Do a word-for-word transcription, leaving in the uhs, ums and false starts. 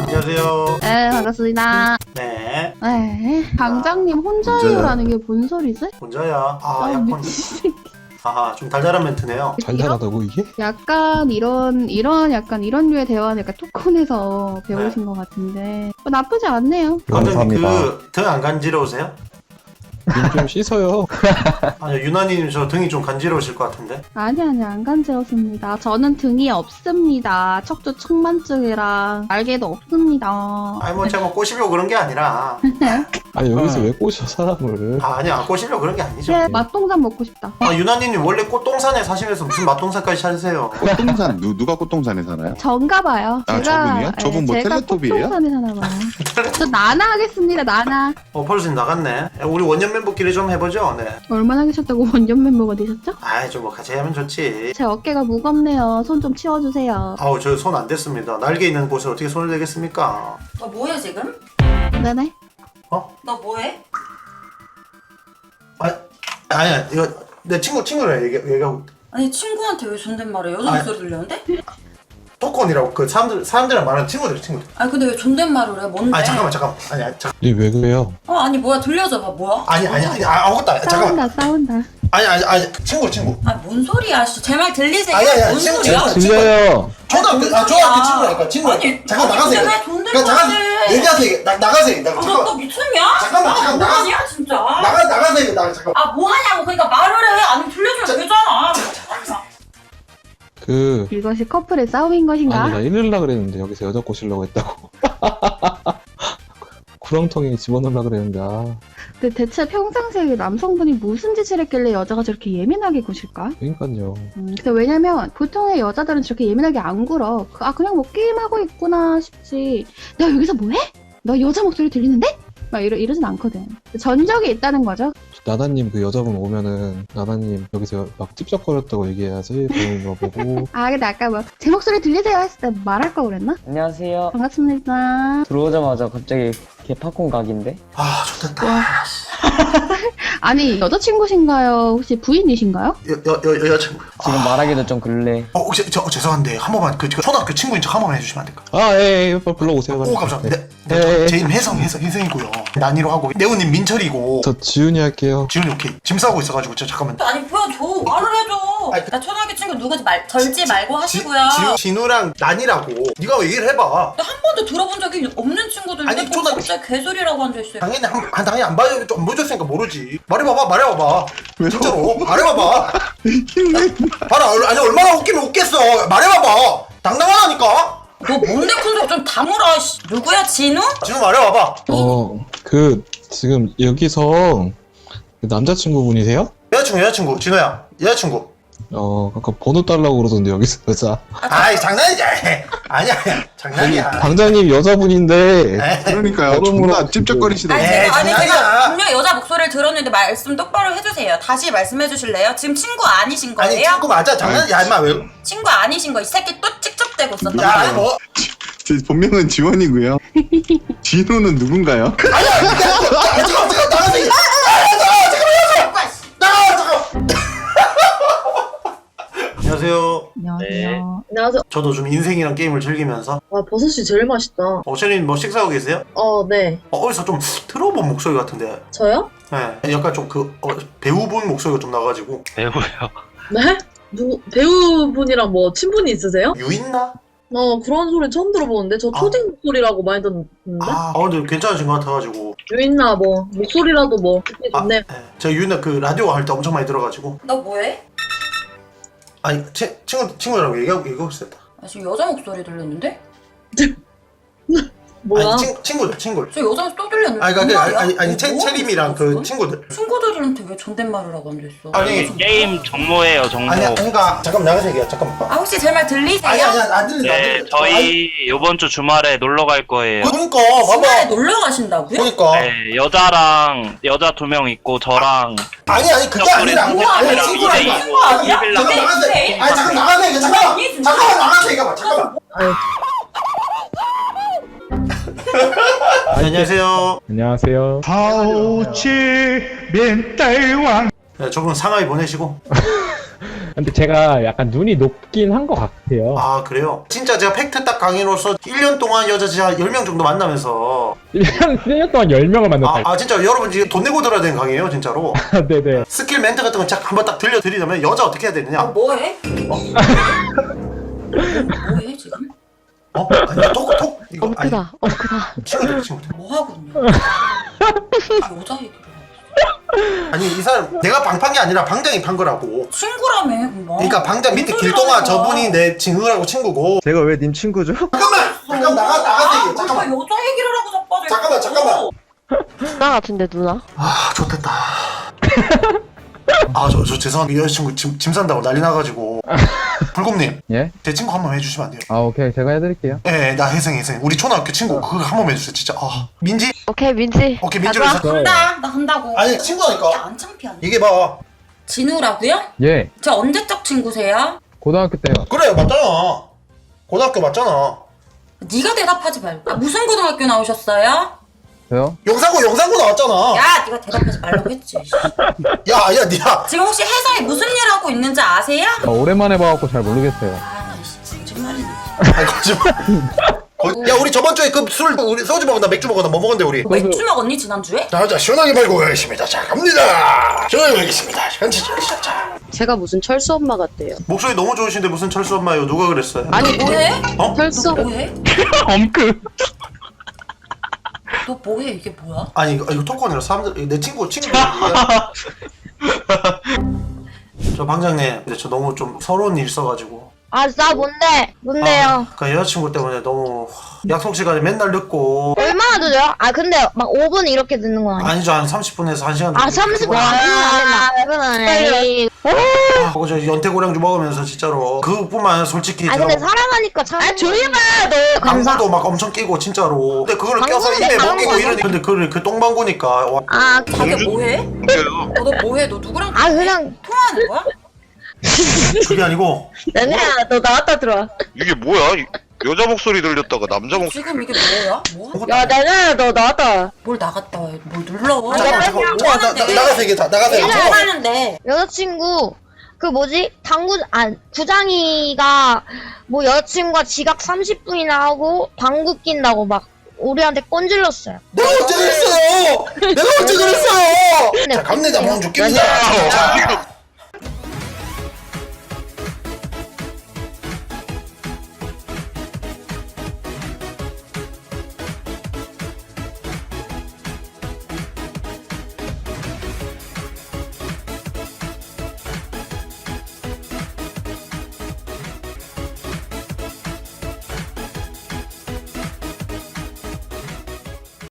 안녕하세요. 네, 반갑습니다. 네. 네, 방장님 혼자요라는 게 뭔 소리지? 혼자야. 아, 아, 약간. 미친. 아하, 좀 달달한 멘트네요. 달달하다고 이게? 약간 이런 이런 약간 이런 류의 대화는 약간 토콘에서 배우신 것 같은데 어, 나쁘지 않네요. 감독님 그등 안 간지러우세요? 눈 좀 씻어요. 아니요, 유나님 저 등이 좀 간지러우실 것 같은데. 아니 아니 안 간지럽습니다. 저는 등이 없습니다. 척추 측만증이랑 날개도 없습니다. 아니 뭐 제가 뭐 꼬시려고 그런 게 아니라. 아니 여기서 왜 꼬셔 사람을? 아, 아니야, 꼬시려고 그런 게 아니죠. 네, 맛동산 먹고 싶다. 아, 유나님 원래 꽃동산에 사시면서 무슨 맛동산까지 찾으세요? 꽃동산 누, 누가 꽃동산에 사나요? 전가 봐요. 아, 저분이요? 저분 뭐 제가 텔레토비예요? 꽃동산에 사나 봐요. 저 나나 하겠습니다. 나나. 어, 벌써 나갔네. 우리 원년 멤버끼리 좀 해보죠. 네. 얼마나 계셨다고 원년 멤버가 되셨죠? 아이, 좀 뭐 같이 하면 좋지. 제 어깨가 무겁네요. 손 좀 치워주세요. 아우, 저 손 안 댔습니다. 날개 있는 곳에 어떻게 손을 대겠습니까? 너 뭐해 지금? 네네. 어? 너 뭐해? 아, 아니야, 이거 내 친구 친구랑 얘기 얘기하고. 아니 친구한테 왜 존댓말해? 여자 아니. 목소리 들렸는데? 토콘이라고 그 사람들 사람들이랑 말하는 친구들 친구들. 아니 근데 왜 존댓말을 해? 뭔데? 아니 잠깐만 잠깐만. 아니 아니 잠. 이왜 그래요? 어 아니 뭐야 들려줘봐 뭐야? 아니 아니 아니 아, 아무것도 아니 잠깐만. 싸운다 싸운다. 아니 아니 아니 친구 친구. 아뭔 소리야 씨. 제 말 들리세요? 아니, 아니, 아니, 뭔 친구, 소리야? 친구. 들려요. 초등학교 뭔 아 초등학교 소리야. 친구라니까 친구. 아니, 잠깐 아니, 나가세요. 근데 왜 존댓말 그러니까 잠깐 해? 얘기하세요. 나 나가세요. 나 아, 너, 잠깐 너 미쳤냐? 잠깐만, 아, 잠깐, 나가- 뭐하냐 진짜? 나가 나가세요. 나 잠깐. 아 뭐하냐고 그러니까 말을 해. 아니 들려주면 되잖아. 그 이것이 커플의 싸움인 것인가? 아니 나 이럴라 그랬는데 여기서 여자 꼬시려고 했다고. 구렁텅이에 집어넣으려 그랬는데 아 근데 대체 평상시에 남성분이 무슨 짓을 했길래 여자가 저렇게 예민하게 구실까? 그러니까요. 음, 근데 왜냐면 보통의 여자들은 저렇게 예민하게 안 굴어. 그- 아 그냥 뭐 게임하고 있구나 싶지. 너 여기서 뭐해? 너 여자 목소리 들리는데? 막 이러, 이러진 않거든. 전적이 있다는 거죠. 나다님 그 여자분 오면은 나다님 여기서 막 찝쩍거렸다고 얘기해야지. 보는 거 보고. 아 근데 아까 뭐 제 목소리 들리세요 했을 때 말할 거 그랬나? 안녕하세요. 반갑습니다. 들어오자마자 갑자기 개팝콘 각인데? 아 좋겠다. 아니 여자친구신가요? 혹시 부인이신가요? 여여여 여자친구. 지금 말하기도 좀 그래. 어 혹시 저 어, 죄송한데 한 번만 그, 그 초등학교 친구인 척 한 번만 해주시면 안 될까? 아 예, 예, 빨리 불러오세요. 오 감사합니다. 네, 예, 네, 예. 제 이름 혜성 혜성 혜성이고요. 난이로 하고 네오님 민철이고. 저 지훈이 할게요. 지훈이 오케이. 짐 싸고 있어가지고 저 잠깐만. 아니 보여줘. 말을 해줘. 아니, 그- 나 초등학교 친구 누구지 말 절지 말고 하시고요. 지, 진우랑 난이라고. 네가 얘기를 해봐. 나 한 번도 들어본 적이 없는 친구들인데 아니, 뭐 초등학교- 갑자기 개소리라고 앉아있어요. 당연히 한, 아, 당연히 안 봐요. 안 보여줬으니까 모르지. 말해봐봐, 말해봐봐. 진짜로 말해봐봐. 봐라, 얼- 아니 얼마나 웃기면 웃겠어. 말해봐봐. 당당하다니까. 너 뭔데 큰 소리 좀 다물어. 씨. 누구야 진우? 진우 말해봐봐. 어 그 지금 여기서 그 남자친구분이세요? 여자친구, 여자친구, 진우야, 여자친구. 어 아까 번호 달라고 그러던데 여기서 여자. 아이 장난이지. 아니야, 아니야. 장난이야. 방장님 여자분인데 에이, 그러니까요. 여러모로 존나 찝쩍거리시더라고요. 아니 에이, 제가 아니 장난이야. 제가 분명 여자 목소리를 들었는데 말씀 똑바로 해주세요. 다시 말씀해 주실래요? 지금 친구 아니신 거예요? 아니 친구 맞아. 장난이야, 임마 왜? 친구 아니신 거 이 새끼 또 찍적대고 있었던 야, 거예요. 아니 뭐? 제 본명은 지원이고요. 진호는 누군가요? 아니야, 야, 야, 잠깐, 잠깐, 나가세요. 안녕하세요. 안녕하세요. 안녕하세요. 저도 좀 인생이랑 게임을 즐기면서. 와, 버섯이 제일 맛있다. 어, 셰린 뭐 식사하고 계세요? 어, 네. 어, 어디서 좀 들어본 목소리 같은데. 저요? 네, 약간 좀 그 어, 배우분 목소리가 좀 나가지고. 배우요. 네? 누구, 배우분이랑 뭐, 친분이 있으세요? 유인나? 어, 그런 소리 처음 들어보는데? 저 아. 초딩 목소리라고 많이 듣는데? 아, 어, 근데 괜찮으신 것 같아가지고. 유인나 뭐, 목소리라도 뭐, 듣기 아, 좋네. 네. 제가 유인나 그 라디오 할 때 엄청 많이 들어가지고. 너 뭐해? 아니, 치, 친구, 친구랑 얘기하고, 얘기하고 있었다. 아, 지금 여자 목소리 들렸는데? 뭐야? 아니, 친, 친구들, 친구들. 저 여자 목소리 또 들렸는데? 아니, 그러니까, 아니, 정말이야? 아니, 아니, 채, 뭐 채림이랑 그 하는 거야, 친구들. 지금? 친구들한테 왜 존댓말을 하고 앉아있어? 아니, 게임 정모예요, 정모. 아니야, 그러니까, 잠깐만, 나가서 얘기해, 잠깐만. 아 혹시 제 말 들리세요? 아니, 아니, 안 들린다, 안 네, 들린다. 저희 이번 주 주말에 놀러 갈 거예요. 그러니까, 주말에 봐봐. 놀러 가신다고요? 그러니까. 네, 여자랑 여자 두 명 있고 저랑 아니, 아니, 그게 아니라. 뭐야, 아니, 아니야, 친구랑. 이제 아니, 이거 아니야? 이빌라 잠깐 네, 나가세요. 네. 아니, 잠깐 나가세요, 이거 잠깐만. 아니, 진짜. 잠깐만, 나가세요, 이거 봐, 잠깐만. 아유, 안녕하세요. 안녕하세요. 네, 저분 상하이 보내시고. 근데 제가 약간 눈이 높긴 한 것 같아요. 아 그래요? 진짜 제가 팩트 딱 강의로서 일 년 동안 여자 진짜 열 명 정도 만나면서 일 년, 일 년 동안 열 명을 아, 만났다. 아 진짜 여러분 지금 돈 내고 들어야 되는 강의예요 진짜로. 네네. 스킬 멘트 같은 거 쫙 한번 딱 들려드리자면 여자 어떻게 해야 되느냐? 아, 뭐해? 어? 뭐해 지금? 어? 아니 톡톡 이거 아니 엉크다, 엉크다. 친구들 친구들 뭐 하고 있냐? 아, 여자 얘기를 해. 아니 이 사람 내가 방판 게 아니라 방장이 판 거라고. 친구라며 그럼. 그러니까 방장 밑에 무슨 길동아 소리야. 저분이 내 친구라고 친구고. 제가 왜 님 친구죠? 잠깐만 잠깐 나가 나가세요 아, 잠깐만 여자 얘기를 하고 자빠져. 잠깐만, 잠깐만. 누나 같은데, 누나? 아 좋겠다. 아 저 저 죄송합니다 여자친구 짐, 짐 산다고 난리 나가지고. 불곰님 예? 제 친구 한 번 해주시면 안 돼요? 아 오케이 제가 해드릴게요. 예, 나 혜생 혜생 우리 초등학교 친구 그거 한 번 해주세요 진짜. 아 민지? 오케이, 민지. 오케이 민지로 가자. 해서 한다. 나 한다고. 아니 친구라니까. 야, 안 창피하네. 이게 봐. 진우라고요? 예. 저 언제적 친구세요? 고등학교 때요. 그래 맞잖아. 고등학교 맞잖아. 네가 대답하지 말고. 아, 무슨 고등학교 나오셨어요? 저요? 영상고 영상고 나왔잖아. 야, 네가 대답하지 말라고 했지. 야야 니야. 지금 혹시 회사에 무슨 일 하고 있는지 아세요? 아, 오랜만에 봐갖고 잘 모르겠어요. 아, 씨, 거짓말이네. 아니 거짓말. 거- 야 우리 저번 주에 그 술 우리 소주 먹었나 맥주 먹었나 뭐 먹었는데 우리. 맥주 먹었니 지난주에? 자자 시원하게 말고 가겠습니다. 자 갑니다. 시원하게 가겠습니다. 현지 자, 자. 제가 무슨 철수 엄마 같대요. 목소리 너무 좋으신데 무슨 철수 엄마예요? 누가 그랬어요? 아니 뭐해? 어? 철수 너 뭐해? 엄크. 너 뭐해? 이게 뭐야? 아니 이거, 이거 토크 아니라 사람들 내 친구 친구. 저 방장님 근데 저 너무 좀 서러운 일 있어가지고. 아, 나 뭔데? 뭔데요? 아, 그 여자친구 때문에 너무 약속 시간에 맨날 늦고. 얼마나 늦어요? 아, 근데 막 오 분 이렇게 늦는 건 아니야? 아니죠 한 삼십 분에서 한 시간. 아, 삼십 분 안 된다. 그건 아니야. 아, 그거 저 연태고량주 먹으면서 진짜로 그뿐만 아니라 솔직히 아, 저 근데 사랑하니까 참. 아, 조용히 봐, 너. 감사. 방구도 막 엄청 끼고 진짜로. 근데 그걸 껴서 방구는 입에 방구 먹이고 방구. 이러니 근데 그걸 그 똥방구니까 와. 아, 자기 뭐해? 뭔데요? 어, 너 뭐해? 너 누구랑 아, 그냥. 통화하는 거야? 그게 아니고 내가 너 나왔다 들어와. 이게 뭐야? 이- 여자 목소리 들렸다가 남자 목소리. 지금 이게 뭐야? 뭐? 야, 내가 너 나왔다. 뭘 나갔다 와? 뭘 눌러? 잠깐만 잠깐만 잠깐만 나, 나, 나가서 얘기해 다 나가서 얘기해. 뭐 잠깐만. 하는데? 여자친구 그 뭐지 당구 아 구장이가 뭐 여자친구가 지각 삼십 분이나 하고 방구 낀다고 막 우리한테 꼰질렀어요. 내가 언제 그랬어요? 내가 언제 그랬어요? 자 갑니다 방주 깁니다. 자,